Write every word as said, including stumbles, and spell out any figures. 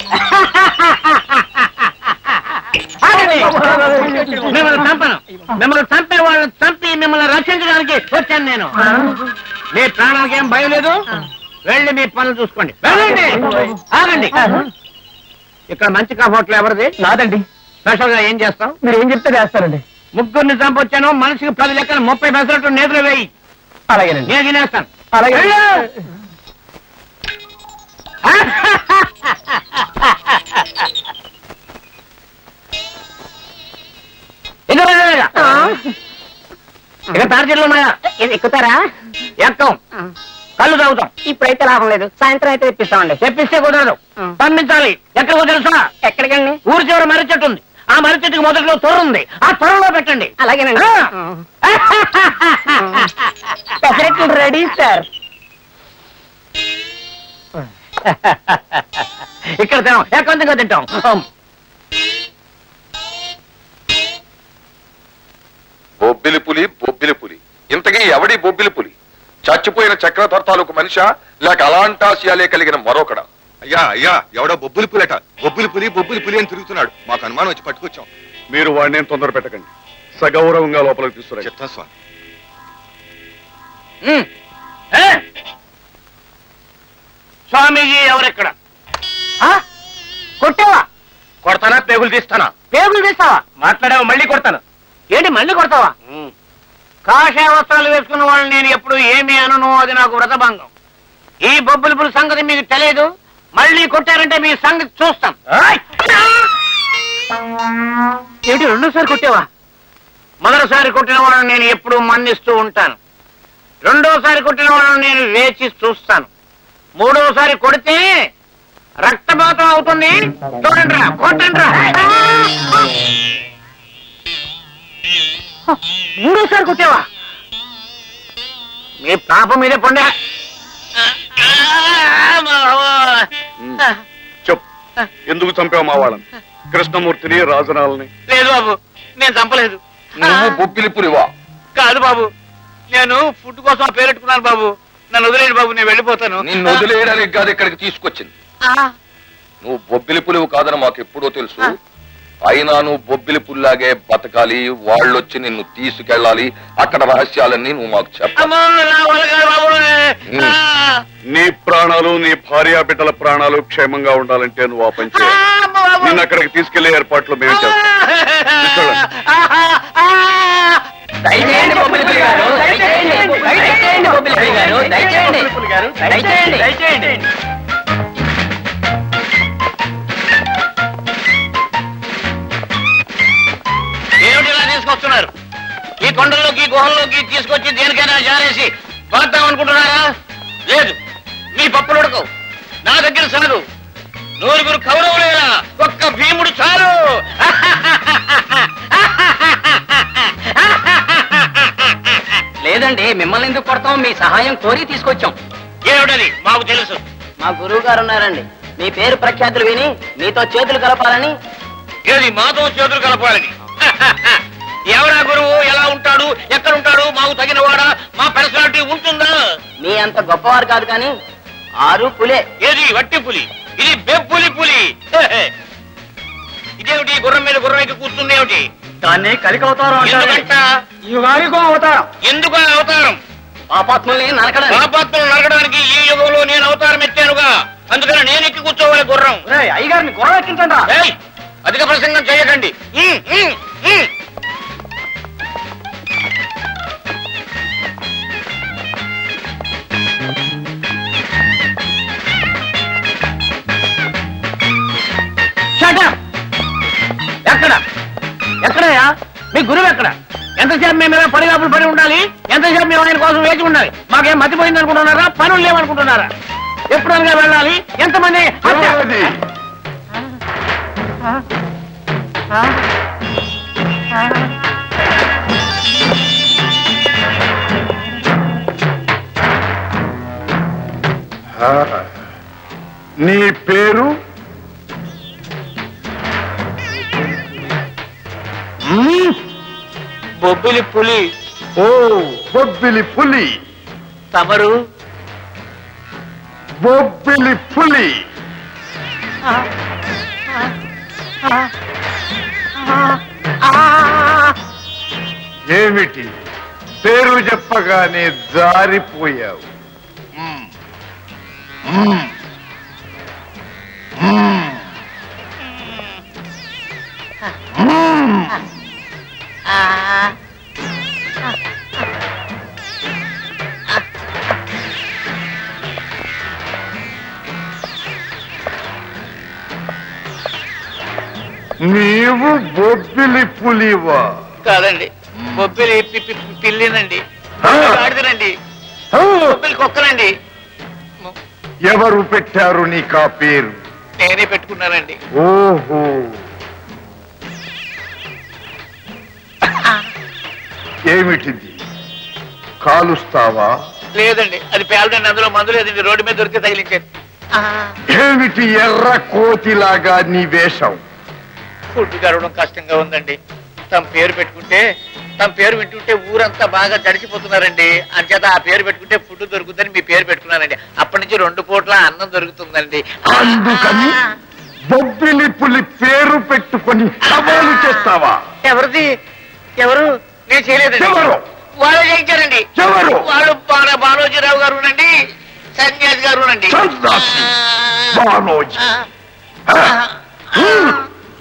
మిమ్మల్ని చంపను. మిమ్మల్ని చంపే వాళ్ళని చంపి మిమ్మల్ని రక్షించడానికి వచ్చాను నేను. మీ ప్రాణానికి ఏం భయం లేదు. వెళ్ళి మీ పనులు చూసుకోండి. ఆగండి. ఇక్కడ మంచి హోటల్ ఎవరిది? నాదండి. స్పెషల్ గా ఏం చేస్తాం? మీరు ఏం చెప్తే చేస్తారండి. ముగ్గురిని చంపొచ్చాను. మనిషికి పది లెక్కలు ముప్పై పెసరట్టు నేతలు వేయి. అలాగేనండి. నేను తినేస్తాను. అలాగే. ఇక తార్జీలు ఉన్నాయా? ఎక్కుతారా? ఎక్కం. కళ్ళు తాగుతాం. ఇప్పుడైతే లాభం లేదు. సాయంత్రం అయితే తెప్పిస్తామండి. తెప్పిస్తే కుదరదు. పంపించాలి. ఎక్కడికో తెలుసా? ఎక్కడికండి? ఊరి చివర మర్రి చెట్టు ఉంది. ఆ మర్రి చెట్టుకి మొదట్లో తొర్ర ఉంది. ఆ తొర్రలో పెట్టండి. అలాగేనండి. పెసరెట్లు రెడీ సార్. ఇక్కడ తినాం. ఎక్కడ తింటాం. బొబ్బిలి పులి బొబ్బిలి పులి ఇంతకీ ఎవడి బొబ్బిలి పులి? చచ్చిపోయిన చక్రధర్ తాలూకు మనిషా లేక అలాంటాశయాలే కలిగిన మరొకడా? అయ్యా అయ్యా ఎవడో బొబ్బులి పులిట బొబ్బులి పులి బొబ్బులి పులి అని తిరుగుతున్నాడు. మాకు అనుమానం వచ్చి పట్టుకొచ్చాం. మీరు వాడిని తొందర పెట్టకండి. సగౌరవంగా లోపలికి తీసుకురండి. చెప్తా స్వామి. స్వామీజీ ఎవరెక్కడ? కొట్టావా? కొడతానా? పేగులు తీస్తానా? పేగులు తీస్తావా? మాట్లాడావా? మళ్ళీ కొడతాను. ఏంటి మళ్ళీ కొడతావా? కాషాయ వస్త్రాలు వేసుకున్న వాళ్ళని నేను ఎప్పుడు ఏమి అనను. అది నాకు వ్రతభంగం. ఈ బొబ్బుల సంగతి మీకు తెలియదు. మళ్ళీ కొట్టారంటే మీ సంగతి చూస్తాం. ఏంటి రెండోసారి కొట్టావా? మొదటిసారి కొట్టిన వాళ్ళని నేను ఎప్పుడు మన్నిస్తూ ఉంటాను. రెండోసారి కొట్టిన వాళ్ళని నేను వేచి చూస్తాను. మూడోసారి కొడితే రక్తపాతం అవుతుంది. చూడండి రా, కొట్టండి రా. మూడోసారి కొట్టావా? మీ పాప మీదే పొండే. చెప్పు, ఎందుకు చంపావు మా వాళ్ళని? కృష్ణమూర్తిని, రాజనాలని? లేదు బాబు, నేను చంపలేదు. నువ్వు బొబ్బిలి పులివా? కాదు బాబు, నేను ఫుడ్ కోసం పేరెట్టుకున్నాను బాబు. నన్ను వదిలేడు బాబు, నేను వెళ్ళిపోతాను. నిన్ను వదిలేయడానికి కాదు ఇక్కడికి తీసుకొచ్చింది. నువ్వు బొబ్బిలి పులివు కాదని మాకు ఎప్పుడో తెలుసు. అయినా నువ్వు బొబ్బిలి పుల్లాగే బతకాలి. వాళ్ళొచ్చి నిన్ను తీసుకెళ్ళాలి. అక్కడ రహస్యాలన్నీ నువ్వు మాకు చెప్పాలి. నీ ప్రాణాలు, నీ భార్యా బిడ్డల ప్రాణాలు క్షేమంగా ఉండాలంటే నువ్వు ఆ పని చేయాలి. నిన్ను అక్కడికి తీసుకెళ్లే ఏర్పాట్లు మేము చేస్తాం. దయచేయండి బొబ్బిలి పులి గారు, దయచేయండి, దయచేయండి బొబ్బిలి పులి గారు, దయచేయండి, దయచేయండి, దయచేయండి. ఏమిటి ఇలా తీసుకొస్తున్నారు? ఈ కొండల్లోకి, గుహల్లోకి తీసుకొచ్చి దేనికైనా జారేసి పాతాం అనుకుంటున్నారా? లేదు, మీ పప్పులు ఉడకవు. నా దగ్గర సాగు. నూరుగురు కౌరవులేరా, ఒక్క భీముడు చాలు. లేదండి, మిమ్మల్ని ఎందుకు కొడతాం? మీ సహాయం కోరి తీసుకొచ్చాం. ఏమిటది? మాకు తెలుసు. మా గురువు గారు ఉన్నారండి. మీ పేరు ప్రఖ్యాతులు విని మీతో చేతులు కలపాలని. ఏది మాతో చేతులు కలపాలని? ఎవరా గురువు? ఎలా ఉంటాడు? ఎక్కడ ఉంటాడు? మాకు తగిన వాడా? మా పర్సనాలిటీ ఉంటుందా? మీ అంత గొప్పవారు కాదు కానీ ఆరు పులే. ఏది వట్టి పులి? ఇది బెప్పులి పులి. ఇదేమిటి? గుర్రం మీద గుర్రం ఎక్కి కూర్చుంది ఏమిటి? దాన్ని కలికవతారం ఎందుకంట? యుగానికో అవతారం. ఎందుకు ఆ అవతారం? పాపాత్మల్ని నరకడానికి. పాపాత్మలు నరకడానికి ఈ యుగంలో నేను అవతారం ఎత్తానుగా. అందుకని నేను ఎక్కి కూర్చోవాలి గుర్రం. అయ్యగారిని గుర్రం ఎక్కించండి. ఏయ్, అధిక ప్రసంగం చేయకండి. ఉమ్, ఉమ్, ఉమ్. ఎక్కడ ఎక్కడయా మీ గురువు? ఎక్కడ? ఎంతసేపు మేము ఇలా పడిగాపులు పడి ఉండాలి? ఎంతసేపు మేము ఆయన కోసం వేచి ఉండాలి? మాకేం మతిపోయింది అనుకుంటున్నారా? పనులు లేవనుకుంటున్నారా? ఎప్పుడు అనగా వెళ్ళాలి? ఎంతమంది? నీ పేరు? బొబ్బిలి పులి. ఓ, బొబ్బిలి పులి. తమరు? బొబ్బిలి పులి. ఏమిటి పేరు చెప్పగానే జారిపోయావు? మ్మ్. మ్మ్. మ్మ్. మ్మ్. నీవు బొబ్బిలి పులివా? కాదండి, బొబ్బిలి పి- పి- పిల్లినండి, ఆ. గాడిదనండి, ఆ! బొబ్బిలి కుక్కనండి. ఎవరు పెట్టారు నీకా పేరు? నేనే పెట్టుకున్నానండి. ఓహో, ఏమిటిది? కాలుస్తావా? లేదండి, అది పేలదండి, అందులో మందు లేదండి, రోడ్డు మీద దొరికితే తగిలించాను. ఏమిటి ఎర్ర కోతిలాగా నీ వేషం? ఫుడ్ గడవడం కష్టంగా ఉందండి. తమ పేరు పెట్టుకుంటే తమ పేరు వింటుంటే ఊరంతా బాగా తడిచిపోతున్నారండి. అంచేత ఆ పేరు పెట్టుకుంటే ఫుడ్ దొరుకుతుందని మీ పేరు పెట్టుకున్నానండి. అప్పటి నుంచి రెండు పూట్ల అన్నం దొరుకుతుందండి. అందుకని బొబ్బిలి పులి పేరు పెట్టుకొని సవాలు చేస్తావా? ఎవరిది? ఎవరు? నేను చేయలేదండి. ఎవరు? వాళ్ళు చేయించారండి. ఎవరు? వాళ్ళు బాల- బాలోజీరావు గారు నండి, సన్యాసి గారు నండి. సన్నాసి బానోజీ. ఆ? హ్మ్.